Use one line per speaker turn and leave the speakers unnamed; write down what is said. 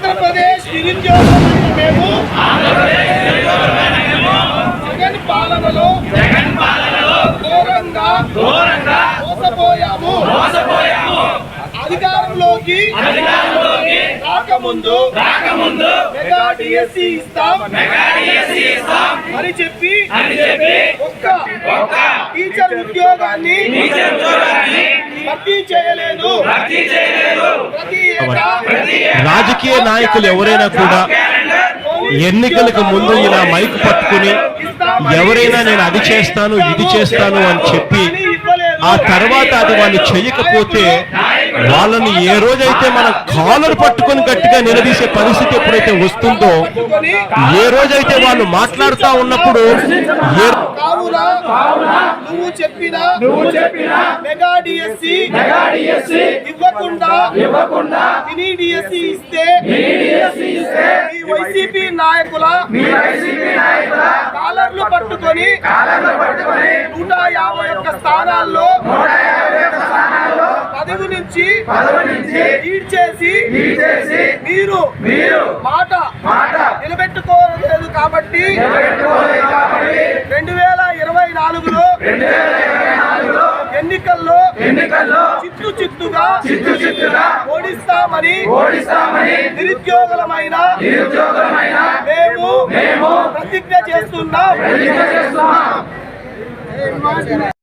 ఆంధ్రప్రదేశ్ నిరుద్యోగులమైన మేము జగన్ పాలనలో ఘోరంగా మోసపోయాము. అధికారంలోకి రాకముందు మెగా డిఎస్సి ఇస్తాం అని చెప్పి ఒక్క టీచర్ ఉద్యోగాన్ని భర్తీ చేయలేదు.
రాజకీయ నాయకులు ఎవరైనా కూడా ఎన్నికలకు ముందు ఇలా మైక్ పట్టుకుని ఎవరైనా నేను అది చేస్తాను ఇది చేస్తాను అని చెప్పి ఆ తర్వాత అది వాళ్ళు చేయకపోతే వాళ్ళని ఏ రోజైతే మనం కాలర్ పట్టుకొని గట్టిగా నిలదీసే పరిస్థితి ఎప్పుడైతే వస్తుందో, ఏ రోజైతే వాళ్ళు మాట్లాడుతూ ఉన్నప్పుడు
నువ్వు చెప్పిన మెగా డిఎస్సి ఇవ్వకుండా మినీ డిఎస్సి ఇస్తే ఈ వైసీపీ నాయకుల కాలర్లు పట్టుకొని 151 స్థానాల్లో పదవి నుంచి లీడ్ చేసి మీరు మాట నిలబెట్టుకోలేదు కాబట్టి 2024లో ఎన్నికల్లో చిత్తుగా ఓడిస్తామని నిరుద్యోగులమైన మేము ప్రతిజ్ఞ చేస్తున్నాం.